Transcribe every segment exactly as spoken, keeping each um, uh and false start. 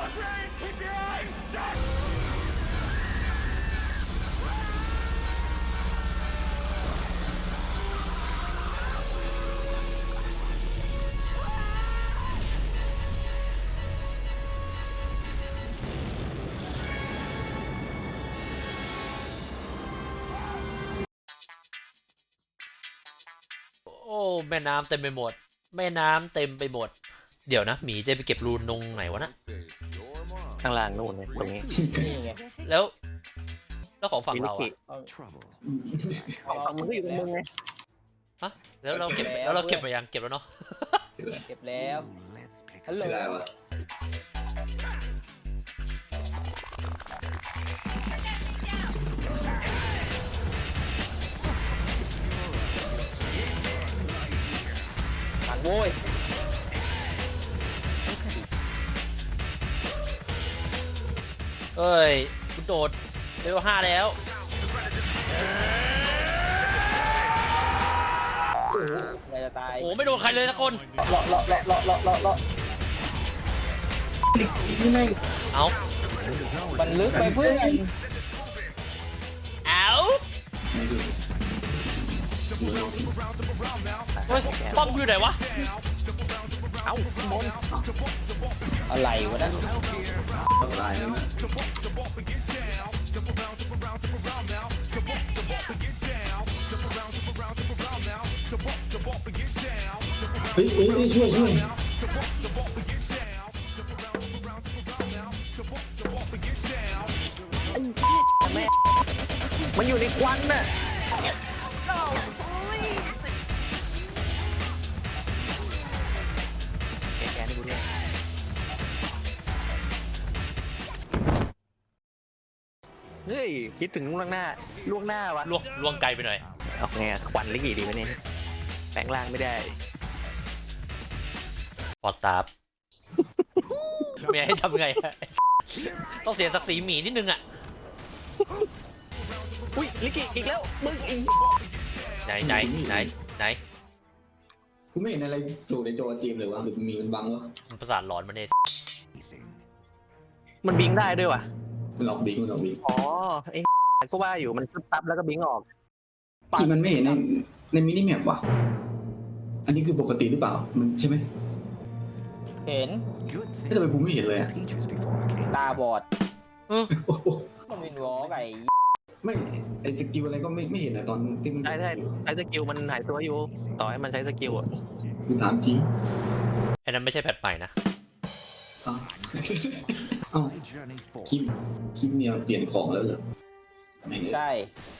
โอ้แม่น้ำเต็มไปหมดแม่น้ำเต็มไปหมดเดี๋ยวนะหมีจะไปเก็บรูนตรงไหนวะนะข้างล่างนู่นเนี่ยตรงนี้นี่ไงแล้วแล้วของฝั่งเราอะฝั่งมึงก็อยู่ตรงมึงไงฮะแล้วเราเก็บแล้วเราเก็บไปยังเก็บแล้วเนาะเก็บแล้วฮัลโหลมันโว้ยเอ้ยคุณโดดเลเวลห้าแล้วไงจะตายโอ้ไม่โดนใครเลยสักคนเลาะเลาะเลาะเลาะเลาะเลาะเลาะนี่ไม่เอามันลึกไปเพื่อนเอาเฮ้ยป้อมอยู่ไหนวะเอ้าบนอะไรวะนั่นตายแล้วนะเฮ้ยเฮ้ยช่วยช่วยแม่มันอยู่ในควันน่ะแกแกนี่กูเนี่ยเฮ้ยคิดถึงล่วงหน้าล่วงหน้าวะล่วงล่วงไกลไปหน่อยเอาไงควันลิกี่ดีไหมเนี่ยแปลงร่างไม่ได้พอสตาร์ฟเมียให้ทำไงต้องเสียศักดิ์ศรีหมีนิดนึงอ่ะอุ้ยลิกี่อีกแล้วมึงอีไหนไหนไหนไหนกูไม่เห็นอะไรอยู่ในจอจีมเลยวะหรือมีมันบังวะมันประสาทหลอนมันเนี่ยมันบิงได้ด้วยวะมันออกบิงมันออกบิงอ๋อไอ้ก็ว่าอยู่มันชุบซับแล้วก็บิงออกที่มันไม่เห็นในในมินิแมปวะอันนี้คือปกติหรือเปล่ามันใช่ไหมเห็นไม่ทำไมกูไม่เห็นเลยอะตาบอดมันวินวอล์กไอ้ไม่ไอสกิลอะไรก็ไม่ไม่เห็นอะตอนที่มันใช่ใช่ใช้สกิลมันหายตัวอยู่ต่อให้มันใช้สกิลอ่ะกูถามจริงไอ้นั้นไม่ใช่แพทใหม่นะอ้าวอ้าวคลิปคลิปเนี่ยเปลี่ยนของแล้วเหรอใช่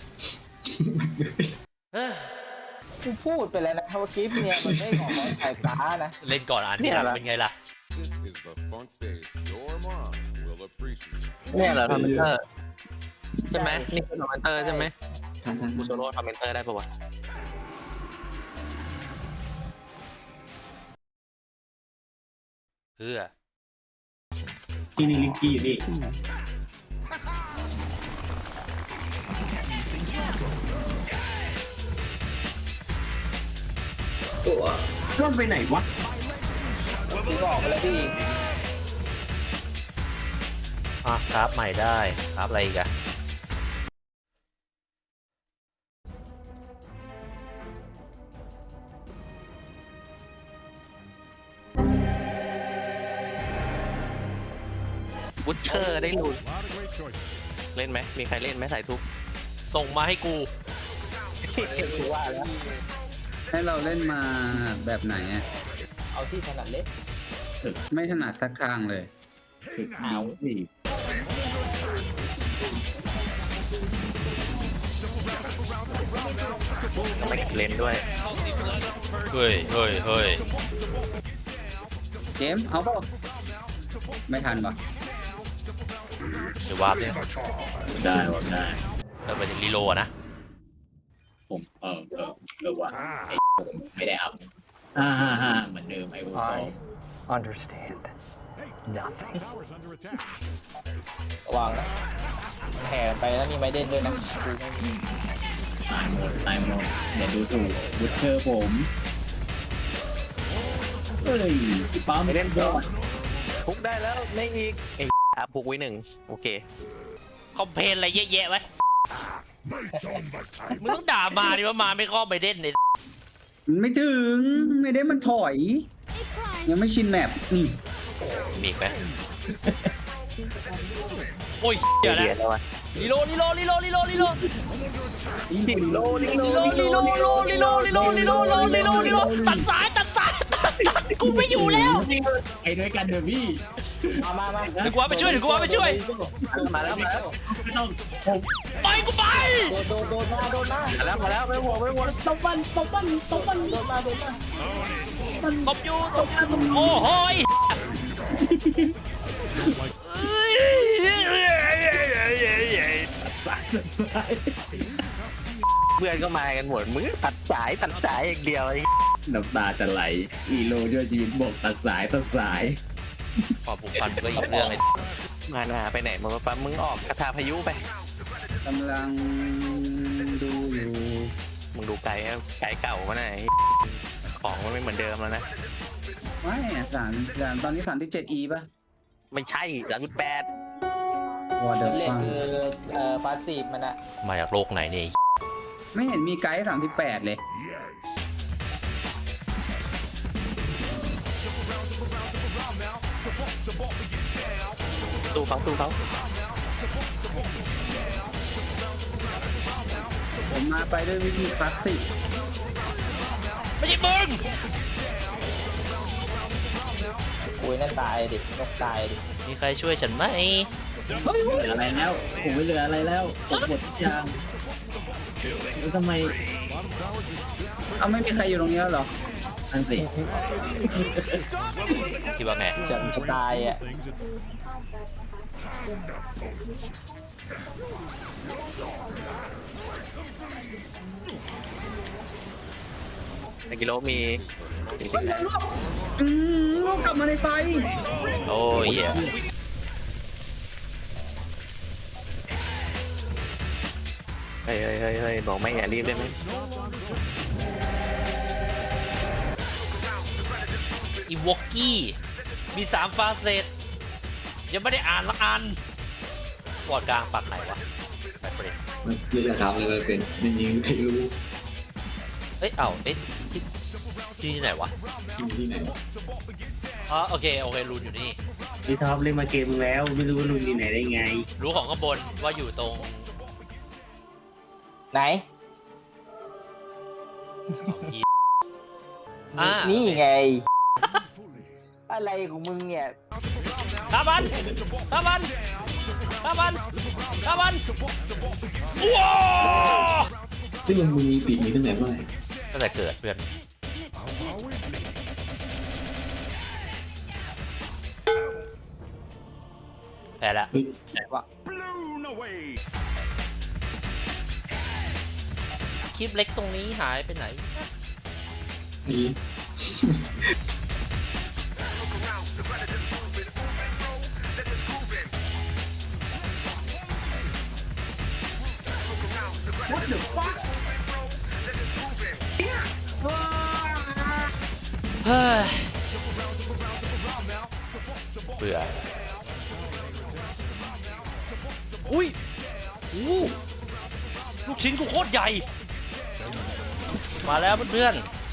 กูพูดไปแล้วนะว่าคลิปเนี่ยมันไม่ของสายฟ้านะเล่นก่อนอ่านที่หลังเป็นไงล่ะเนี่ยเหรอทอมเมนเตอร์ใช่ไหมนี่คือทอมเมนเตอร์ใช่ไหมทันทันบูโซโร่ทอมเมนเตอร์ได้ปะวะเพื่อที่นี่ลิงกี้อยู่นี่ตัวร่อนไปไหนวะพี่บอกไปแล้วพี่อ่ะครับใหม่ได้ครับอะไรอีกอะบูชเชอร์ได้ลุ้นเล่นไหมมีใครเล่นไหมสายทุกส่งมาให้กูว่าแล้วให้เราเล่นมาแบบไหนอ่ะเอาที่ถนัดเล่นไม่ถนัดสักทางเลยเอาสิไม่เล่นด้วยเฮ้ยเฮ้ยเฮ้ยเกมเอาป่ะไม่ทันป่ะจะวาร์ปเนี่ยได้วาร์ปได้เราไปถึงรีโลนะผมเออเออเออว่าไอ้ผมไม่ได้อัพฮ่าฮ่าฮ่าเหมือนเดิมไอ้ผม understand nothing ระวังนะแห่ไปแล้วมีไม้เด่นด้วยนะตายหมดตายหมดเดี๋ยวดูถูกบูชเชอร์ผมเฮ้ยพี่ปั๊มไม่เล่นด้วยพุกได้แล้วไม่อีกไอ้อาพุกไว้หนึ่งโอเคคอมเพลนอะไรเยอะแยะวะมึงต้องด่ามาดิว่ามาไม่ข้อไปเด่นเลยมันไม่ถึงไม่ได้มันถอย ยังไม่ชินแมปนี่มีอีกไหมโอ้ยเดี๋ยวนะเดี๋ยวแล้ววะลีโลลีโลลีโลลีโลลีโลดิโลดิโลลีโลลีโลลีโลลีโลลีโลลีโลลีโลลีโลตัดสายตัดสายตัดตัดกูไม่อยู่แล้วไอ้ด้วยกันเถอะพี่มามามาเดี๋ยวกูว่าไปช่วยเดี๋ยวกูว่าไปช่วยมาแล้วมาแล้วไม่ต้องผมไปกูไปโดนโดนโดนมาโดนมามาแล้วมาแล้วไม่ห่วงไม่ห่วงตบมันตบมันตบมันโดนมาโดนมาตบอยู่ตบอยู่ตบโอ้โหยสายสายเพื่อนก็มากันหมดมึงก็ตัดสายตัดสายอย่างเดียวไอ้น้ำตาจะไหลอีโลช่วยชีวิตบอกตัดสายตัดสายความผูกพันก็อีกเรื่องเลยมาหนาไปไหนมึงปั๊มมึงออกคาถาพายุไปกำลังดูอยู่มึงดูไกลอะไกลเก่ามาไหนของมันไม่เหมือนเดิมแล้วนะไม่สารสารตอนนี้สารที่เจ็ดอีป่ะไม่ใช่สามสิบแปดวอเดอร์เรียกฟังคือเอ่อพาสซีฟมันอะมาจากโลกไหนเนี่ยไม่เห็นมีไกด์สามสิบแปดเลยตู้เขาตู้เขาผมมาไปด้วยวิธีคลาสสิกไม่ใช่มึงคุยนั่นตายดินกตายดิมีใครช่วยฉันไหมไม่เหลืออะไรแล้วผมไม่เหลืออะไรแล้วตกหมดทุกอย่างแล้วทำไมเอาไม่มีใครอยู่ตรงนี้แล้วเหรออันสิคิดว่าไงฉันจะตายอะในกิโลมีสี่สิบแปดอืมลูกกลับมาในไฟโอ้ยเหี้ยเฮ้ยเฮ้ยเฮ้ยเฮ้ยบอกไม่อย่ารีบได้ไหมอีวอกกี้มีสามฟาเซตยังไม่ได้อ่านละอันวอดกลางปักไหนวะไปประเด็นมันคือจะทำอะไรมันเป็นมันยิงใครรู้เอ้ยเอ้าเอ้ยที่ที่ไหนวะอยู่ที่ไหนอ๋อโอเคโอเครูนอยู่นี่พี่ท็อปเล่นมาเกมแล้วไม่รู้ว่าลุงอยู่ไหนได้ไงรู้ของข้างบนว่าอยู่ตรงไหนอ่านี่ไง อะไรของมึงเนี่ยตาบันตาบันตาบันตาบันว้าวซึ่งมึงมีปีกนี้ตั้งแต่เมื่อไหร่ตั้งแต่เกิดเพื่อนแพ้ละเฮ้ยคลิปเล็กตรงนี้หายไปไหนนี่เฮ้ยเบื่ออุ้ยอู้ลูกชิ้นกูโคตรใหญ่ มาแล้วเพื่อน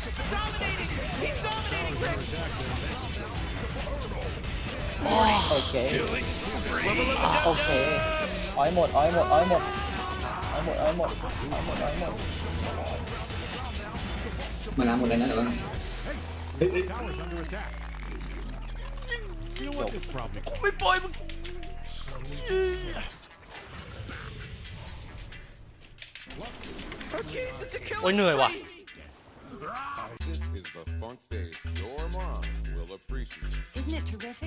ๆโอ้ยโอเคโอเคอ้อยหมดอ้อยหมดอ้อยหมดอ้อยหมดอ้อยหมดอ้อยหมดอ้อยหมดมาล้างหมดเลยนะแต่ว่าเฮ้ยเฮ้ยกูไม่ปล่อยมึงโอ้ยเหนื่อยว่ะ This is the funk bass your mom will appreciate. Isn't it terrific?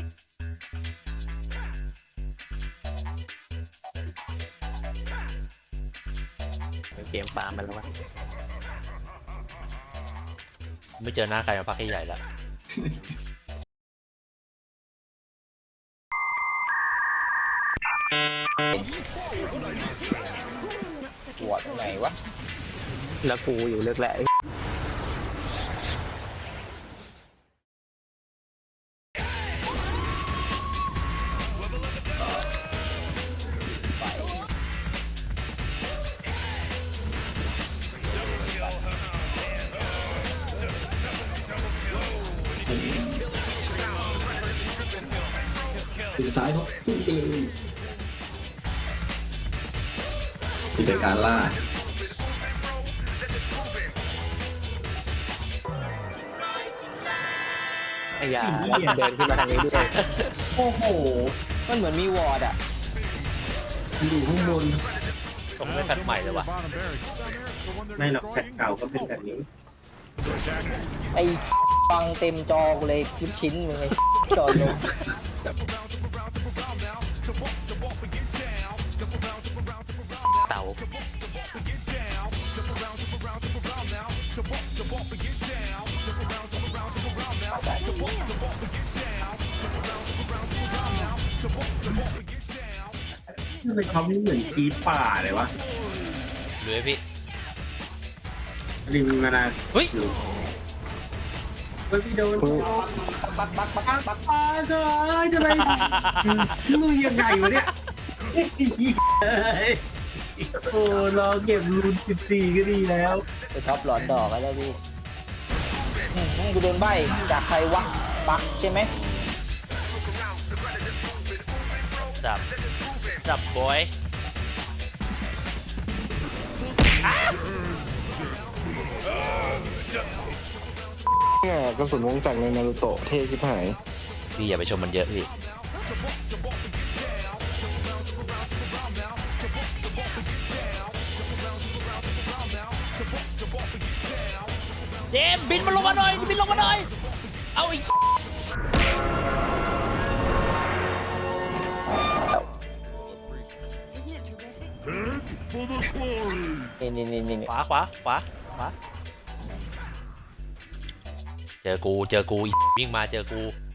เกมปาล์มมาแล้ววะไม่เจอหน้าใครมาพักใหญ่ๆแล้วปวดไหนวะแล้วกูอยู่เลือกแหละสุดท้ายเขาพุ่งไปเลยนี่เป็นการล่าไอ้ยาเดินขึ้นมาทางนี้ด้วยโอ้โห มันเหมือนมีวอร์ดอ่ะอยู่ข้างบนต้องไม่แพทใหม่เลยว่ะไม่หรอกแพทเก่าก็เป็นแบบนี้ไอ้ฟังเต็มจอกูเลยคลิปชิ้นมึงไอ้จอลงเต่าทำไมเขาไม่เหมือนกีป่าเลยวะหรือไอพี่ริมมานาเฮ้ยอยู่เฮ้ยพี่โดนปักปักปักปักปักอ้าวเธอทำไมมึงยังไงวะเนี่ยโอ้รอเก็บรูนสิบสี่ก็ดีแล้วไอ้ท็อปหลอนดอกแล้วพี่อืมกูโดนใบจากใครวะปักใช่ไหมสับ สับบอยเนี่ยกระสุนวงจักรในนารูโตะเท่ชิบหายพี่อย่าไปชมมันเยอะพี่ เจมส์บินมาลงมาหน่อย บินลงมาหน่อย เอาอีกนี่นี่นี่นี่ขวาขวาขวาขวา เจอกู เจอกูอีวิ่งมาเจอกู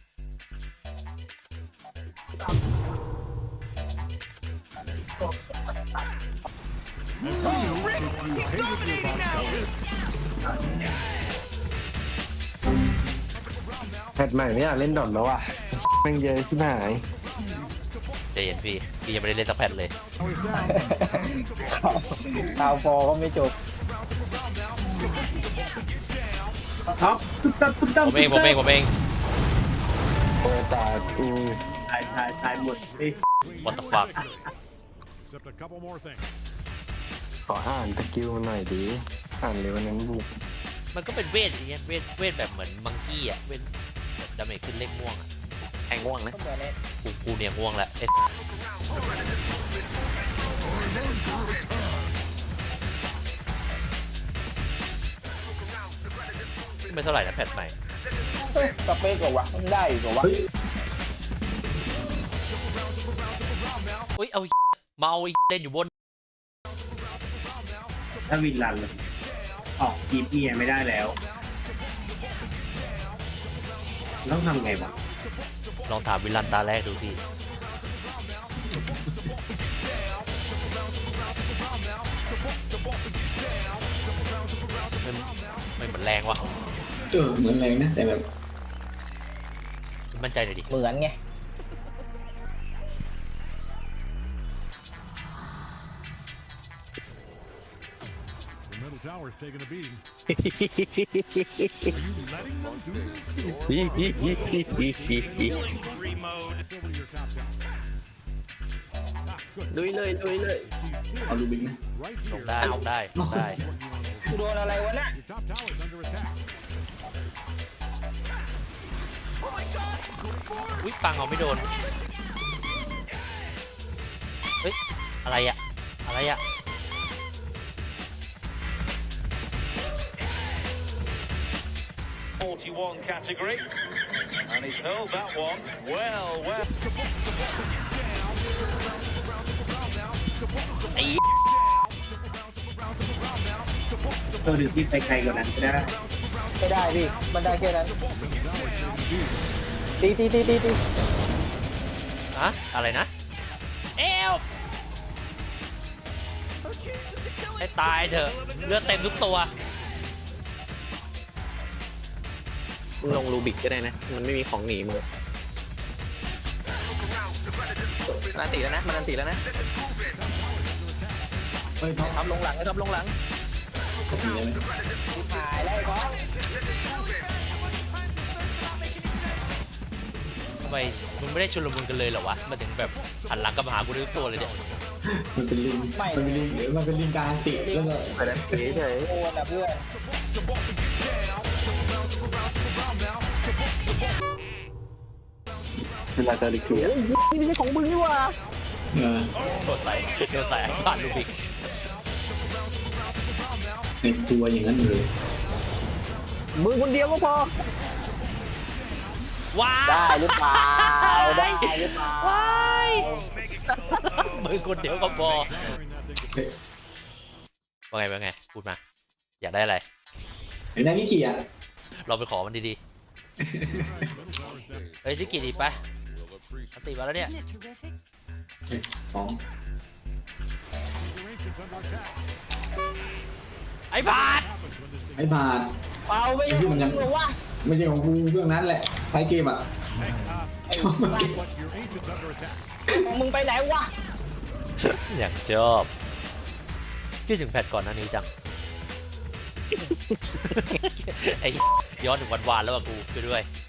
แพทใหม่ไม่อยากเล่นดอทแล้วอ่ะแม่งเยอะชิบหายใจเย็นพี่ พี่ยังไม่ได้เล่นสักแผ่นเลยข่าวฟอก็ไม่จบท็อปตุ๊บตับตุ๊บตับผมเอง ผมเอง ผมเองโอ้ตายกูตายตายตายหมดสิ what the fuck Except a couple more things. ขออ่านสกิลมันหน่อยดิอ่านเลยวันนั้นบุกมันก็เป็นเวทอย่างเงี้ย เวท เวทแบบเหมือนมังกี้อ่ะ เวทแบบดาเมจขึ้นเลขม่วงอ่ะแทงง่วงนะก็เหมือนไอ้กู กูเนี่ยม่วงแล้วเอ๊ะไม่เท่าไหร่นะแพทใหม่เฮ้ยสเปกกว่าวะมันได้กว่าวะอุ้ย เอาเมาเล่นอยู่บนถ้าวินรันเลยออกกีบเมียไม่ได้แล้วต้องทำไงวะลองถามวิลันตาแรกดูพี่ มันมันเหมือนแรงวะเออเหมือนแรงนะแต่แบบมั่นใจหน่อยดิเหมือนไง The middle tower's taking a beating. Are you letting them do this? Over to your top tower. Ah, good. ลุยเลยลุยเลยเอาลูบิงนะ Right ล here. งได้ลงได้ลงได้กูโดนอะไรวะน่ะ Your top tower's under attack. อุ้ยปังเอาไม่โดน เฮ้ย อะไรอะอะไรอะ forty-one category, and he's held that one well, well. ไอ้ตัวดึงที่ไปไกลกว่านั้นก็ได้ไม่ได้พี่ มันได้แค่นั้น ตีตีตีตีตีอะอะไรนะ เอลให้ตายเถอะ เลือดเต็มทุกตัวลงรูบิกก็ได้นะ มันไม่มีของหนีมือมันอันตีแล้วนะ มันอันตีแล้วนะเฮ้ยท็อปท็อปลงหลังไอ้ท็อปลงหลังกดตีได้ไหมหายแล้วไอ้ของไมมึงไม่ได้ชุลมุนกันเลยเหรอวะมาถึงแบบหันหลังกลับมาหากูด้วยตัวเลยเนี่ยมันเป็นลิงมันเป็นลิงหรือมันเป็นลิงกลางติแล้วก็ไปนั้นเฉยเฉยโอนอ่ะเพื่อนเวลาจะดิเกียนี่ไม่ใช่ของมึงนี่หว่าเออโดนใส่โดนใส่ไอ้บ้านลูบิกในตัวอย่างนั้นเลยมึงคนเดียวก็พอว้าได้หรือเปล่าได้หรือเปล่าว้ายมือคนเดียวก็พอว่าไงว่าไงพูดมาอยากได้อะไรไอ้นั่นนี่เกียร์เราไปขอมันดีๆเฮ้ยซิกิดีไปอันติมาแล้วเนี่ยสองไอ้บาทไอ้บาทเปล่าไม่ใช่ของมึงวะไม่ใช่ของกูเรื่องนั้นแหละท้ายเกมอ่ะชอบมากของมึงไปไหนวะอย่างชอบคิดถึงแพทก่อนหน้านี้จัง ไอ้ย้อนถึงวันวานแล้วอะกูไปด้วย